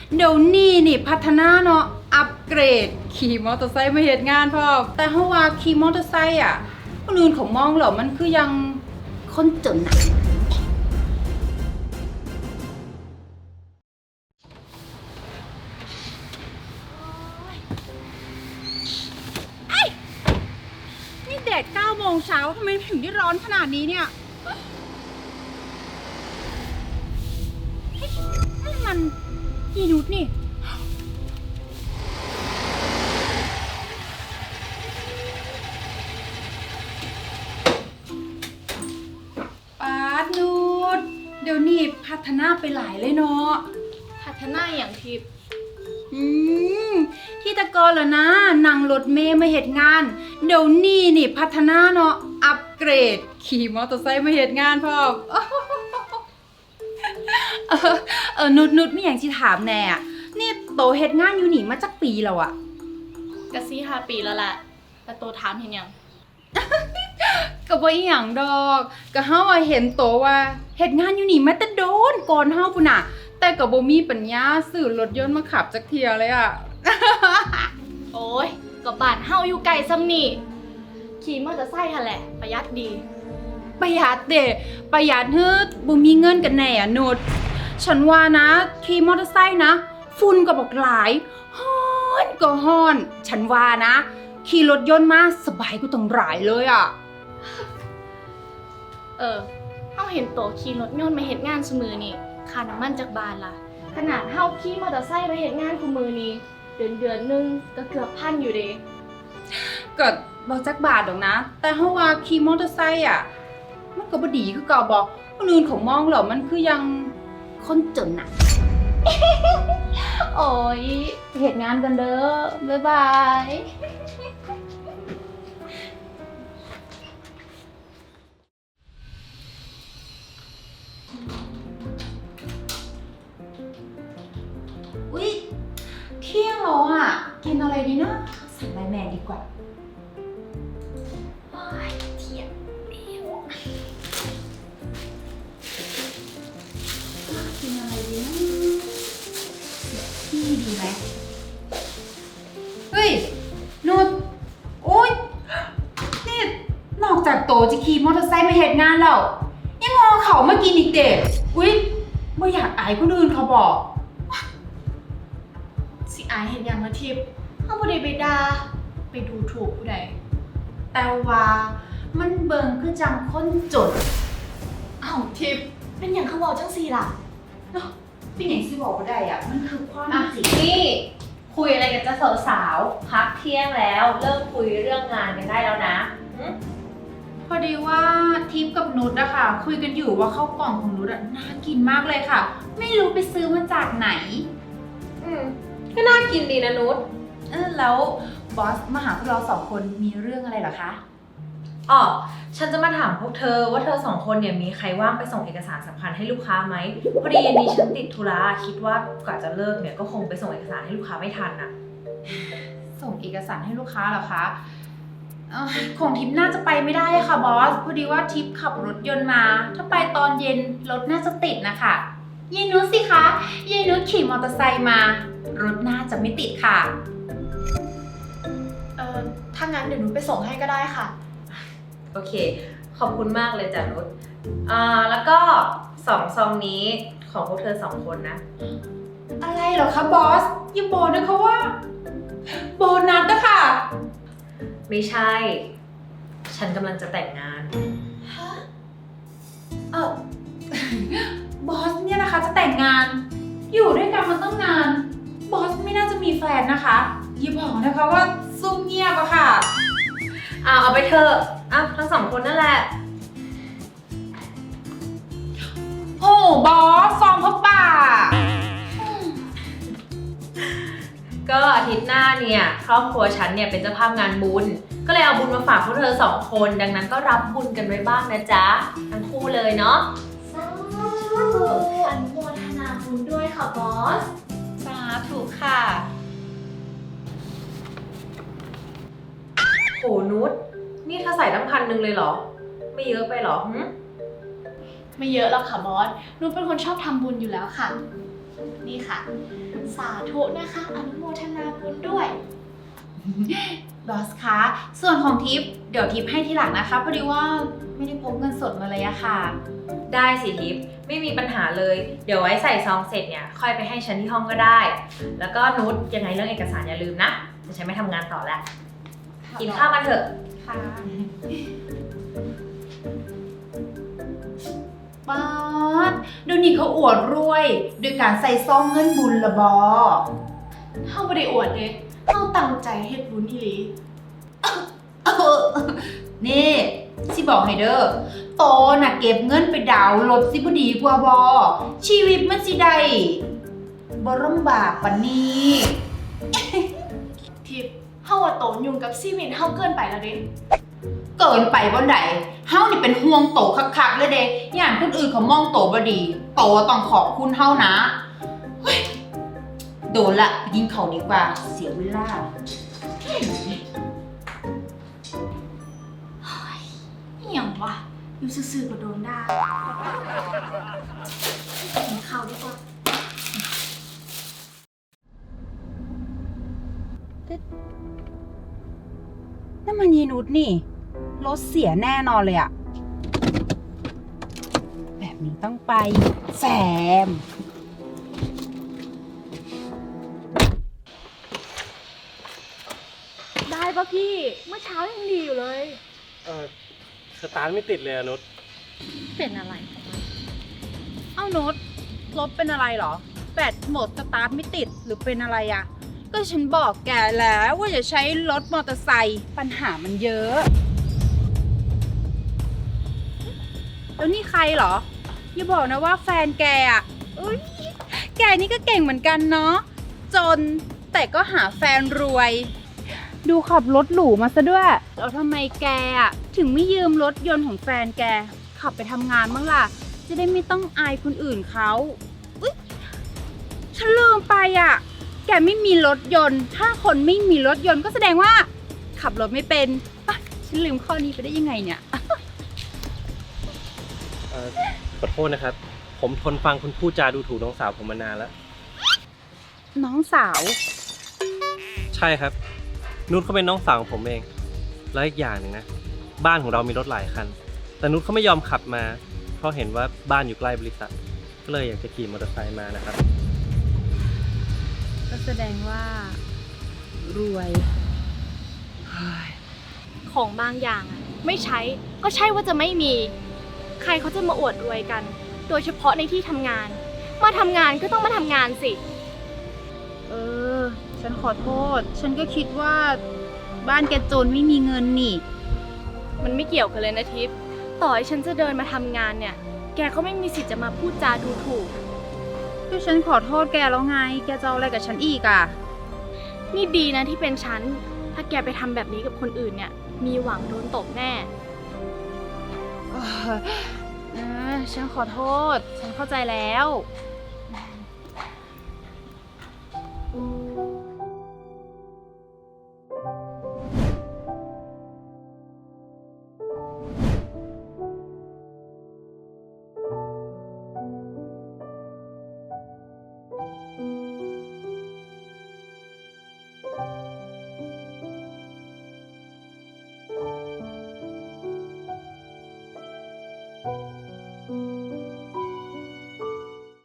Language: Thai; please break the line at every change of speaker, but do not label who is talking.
เดี๋ยวนี้นี่พัฒนาเนาะอัปเกรดขี่มอเตอร์ไซค์มาเหตุงานพ่อแต่เฮาว่าขี่มอเตอร์ไซค์อ่ะคนอื่นเขามองเหรอมันคือยังคนจนน่ะนี่แดด9 โมงเช้าทำไมถึงได้ร้อนขนาดนี้เนี่ยนี่มันยีนุชนี่ปาดนุชเดี๋ยวนี้พัฒนาไปหลายเลยเนาะ
พัฒนาอย่างทิพย์
อืมที่ตะกอนเหรอนะนั่งรถเมย์มาเหตุงาน เดี๋ยวนี้นี่พัฒนาเนาะอัปเกรดขี่มอเตอร์ไซค์มาเหตุงานพ่อนุชไม่อย่างที่ถามแน่อะนี่โตเหตุงานอยู่หนีมาจากปีแล้วอะ
กะซี่5 ปีแล้วแหละแต่โตถามเห็นยัง
ก็บ่อีหยังดอกก็เฮาอะเห็นโตว่าเหตุงานอยู่หนีมาแต่โดนก่อนเฮาพุ่นน่ะแต่ก็บ่มีปัญญาซื้อรถยนต์มาขับจักเที่ยเลยอะ
โอ้ยก็บ้านเฮาอยู่ไกลซ้ำนี่ขี่มอเตอร์ไซค์หั่นแหละประหยัดดี
ประหยัดเด้ประหยัดเฮ้อบ่มีเงินกันแน่อะนุชฉันว่านะขี่มอเตอร์ไซค์นะฝุ่นก็บอกหลายฮ้อนก็ฮ้อน ฉันว่านะขี่รถยนต์มาสบายกว่าต้องหลายเลยอะ
เฮาเห็นโตขี่รถยนต์มาเฮ็ดงานซุมื้อนี่ค่าน้ำมันจากบ้านล่ะขนาดเฮาขี่มอเตอร์ไซค์มาเฮ็ดงานคุมื้อนี้เดือนนึงก็เกือบ1,000อยู่เด้
ก็บ่จักบาทดอกนะ แต่เฮาว่าขี่มอเตอร์ไซค์อะมันก็บ่ดีคือเก่าบ่คนอื่นเขามองเหรอมันคือยังคนจนน่ะ
โอ้ยเฮ็ดงานกันเด้อบ๊ายบาย
อุ๊ยเที่ยงแล้วอ่ะกินอะไรดีนะสั่งไลน์แมนดีกว่าโอ๊ยเที่ยงแล้วกินอะไรดีนะที่ดีไหมเฮ้ยนุชโอ๊ยนี่นอกจากโตจะขี่มอเตอร์ไซค์มาเหตุงานแล้วยังงอเขามากินอีกเด็ดอุ๊ยไม่อยากอายคนอื่นเขาบอก
สิอายเห็นอย่างละทิพย์เฮาบ่ได้ไปด่าไปดูถูกผู้ใด
แต่ว่ามันเบิ่งคือจังคนจน
อ้าวทิพย์เป็นอย่างเขาเว้าจังซี่ล่ะ
เป็นอย่างที่บอกว่าได้อ่ะ มันคือความ
อ่ะ
จริง
นี่คุยอะไรกันจะสาวๆพักเที่ยงแล้วเริ่มคุยเรื่องงานกันได้แล้วนะหึ
พอดีว่าทิพย์กับนุชอะค่ะ คุยกันอยู่ว่าข้าวกล่องของนุชอะน่ากินมากเลยค่ะ ไม่รู้ไปซื้อมาจากไหน
ก็น่ากินดีนะนุช
แล้วบอสมาหาพวกเราสองคนมีเรื่องอะไรเหรอคะ
อ๋อฉันจะมาถามพวกเธอว่าเธอสองคนเนี่ยมีใครว่างไปส่งเอกสารสำคัญให้ลูกค้าไหมพอดีเย็นนี้ฉันติดธุระคิดว่ากว่าจะเลิกเนี่ยก็คงไปส่งเอกสารให้ลูกค้าไม่ทันน่ะ
ส่งเอกสารให้ลูกค้าเหรอคะของทิพย์น่าจะไปไม่ได้อะค่ะบอส พอดีว่าทิพย์ขับรถยนต์มา ถ้าไปตอนเย็นรถน่าจะติดนะคะยายนุชสิคะยายนุชขี่มอเตอร์ไซค์มา รถน่าจะไม่ติดค่ะ
ถ้างั้นเดี๋ยวหนูไปส่งให้ก็ได้ค่ะ
โอเคขอบคุณมากเลยจ้ะนุชแล้วก็ซองนี้ของพวกเธอสองคนนะ
อะไรเหรอคะบอสอย่าบอกนะคะว่าโบนัสนะคะ
ไม่ใช่ ฉันกำลังจะแต่งงาน
เออ บอสเนี่ยนะคะจะแต่งงาน อยู่ด้วยกันมาตั้งนาน บอสไม่น่าจะมีแฟนนะคะอย่าบอกนะคะว่าซุ่มเงียบอะค่ะ
เอาไปเถอะทั้งสองคนนั่นแหละ
โอ้บอสซองพ่อป่า
ก็อาทิตย์หน้าเนี่ยครอบครัวฉันเนี่ยเป็นเจ้าภาพงานบุญ ก็เลยเอาบุญมาฝากพวกเธอสองคน ดังนั้นก็รับบุญกันไว้บ้างนะจ๊ะทั้งคู่เลยเนาะ
สาธุอนุโมทนาบุญด้วยค่ะบอส
สาธุค่ะ
โหนุชนี่เธอใส่ตั้ง1,000เลยเหรอ ไม่เยอะไปเหรอหึ
ไม่เยอะแล้วค่ะบอสหนูเป็นคนชอบทำบุญอยู่แล้วค่ะ นี่ค่ะสาธุนะคะ อนุโมทนาบุญด้วย
บอสคะ ส่วนของทิปเดี๋ยวทิปให้ทีหลังนะคะพอดีว่าไม่ได้พกเงินสดมาเลยอะค่ะ
ได้สิทิพย์ไม่มีปัญหาเลย เดี๋ยวไว้ใส่ซองเสร็จเนี่ยค่อยไปให้ฉันที่ห้องก็ได้ แล้วก็นุชยังไงเรื่องเอกสารอย่าลืมนะจะฉันไม่ทำงานต่อแล้ว กินข้าวกันเถอะ
ค่ะ
ป๊าดเดี๋ยวนี้เขาอวดรวยโดยการใส่ซองเงินบุญละบอ
เฮาบ่ได้อวดเด้เฮาตั้งใจเฮ็ดบุญอีหลี
นี่สิบอกให้เด้อโตน่ะเก็บเงินไปดาวน์รถสิบ่ดีกว่าบอชีวิตมันสิได้บ่ลำบากปานนี้
ทิพย์เฮาว่าโตยุ่งกับชีวิตเฮาเกินไปแล้วเด้
เกินไปบ่ไดเฮานี่เป็นห่วงโตคักๆเลยเด้ย่านคนอื่นเขามองโตบ่ดี โตต้องขอบคุณเฮานะเฮ้ยโดนละไปกินข้าวดีกว่าเสียเวลา
อิหยังวะอยู่ซื่อๆก็โดนด่ากินข้าวดีกว่า
นั่นมันยีนุชนี่รถเสียแน่นอนเลยอะแบบนี้ต้องไปแซม
ได้ปะพี่ เมื่อเช้ายังดีอยู่เลย
สตาร์ทไม่ติดเลยอะนุช
เป็นอะไร
เอ้านุชรถเป็นอะไรเหรอแบตหมดสตาร์ทไม่ติดหรือเป็นอะไรอะก็ฉันบอกแกแล้วว่าอย่าใช้รถมอเตอร์ไซค์ปัญหามันเยอะ แล้วนี่ใครเหรออย่าบอกนะว่าแฟนแกอะอุ๊ยแกนี่ก็เก่งเหมือนกันเนาะจนแต่ก็หาแฟนรวย ดูขับรถหรูมาซะด้วยแล้วทำไมแกอะถึงไม่ยืมรถยนต์ของแฟนแกขับไปทำงานบ้างล่ะจะได้ไม่ต้องอายคนอื่นเขาอุ๊ยฉันลืมไปอะแกไม่มีรถยนต์ถ้าคนไม่มีรถยนต์ก็แสดงว่า ขับรถไม่เป็นอ่ะฉันลืมข้อนี้ไปได้ยังไงเนี่ย
ขอโทษนะครับ ผมทนฟังคุณพูดจาดูถูกน้องสาวผมมานานแล้ว
น้องสาว
ใช่ครับ นุชเขาเป็นน้องสาวของผมเอง แล้วอีกอย่างหนึ่งนะ บ้านของเรามีรถหลายคัน แต่นุชเขาไม่ยอมขับมา เพราะเห็นว่าบ้านอยู่ใกล้บริษัท ก็เลยอยากจะขี่มอเตอร์ไซค์มานะครับ
ก็แสดงว่า รวย
ของบางอย่างอะไม่ใช้ก็ใช่ว่าจะไม่มี ใครเขาจะมาอวดรวยกัน โดยเฉพาะในที่ทำงาน มาทำงานก็ต้องมาทำงานสิ
เออ ฉันขอโทษ ฉันก็คิดว่า บ้านแกจนไม่มีเงินนี่
มันไม่เกี่ยวกันเลยนะทิพย์ต่อให้ฉันจะเดินมาทำงานเนี่ย แกก็ไม่มีสิทธิ์จะมาพูดจาดูถูก
ก็ฉันขอโทษแกแล้วไง แกจะเอาอะไรกับฉันอีกอ่ะ
นี่ดีนะที่เป็นฉัน ถ้าแกไปทำแบบนี้กับคนอื่นเนี่ย มีหวังโดนตบแน่
ฉันขอโทษ ฉันเข้าใจแล้ว
ฉ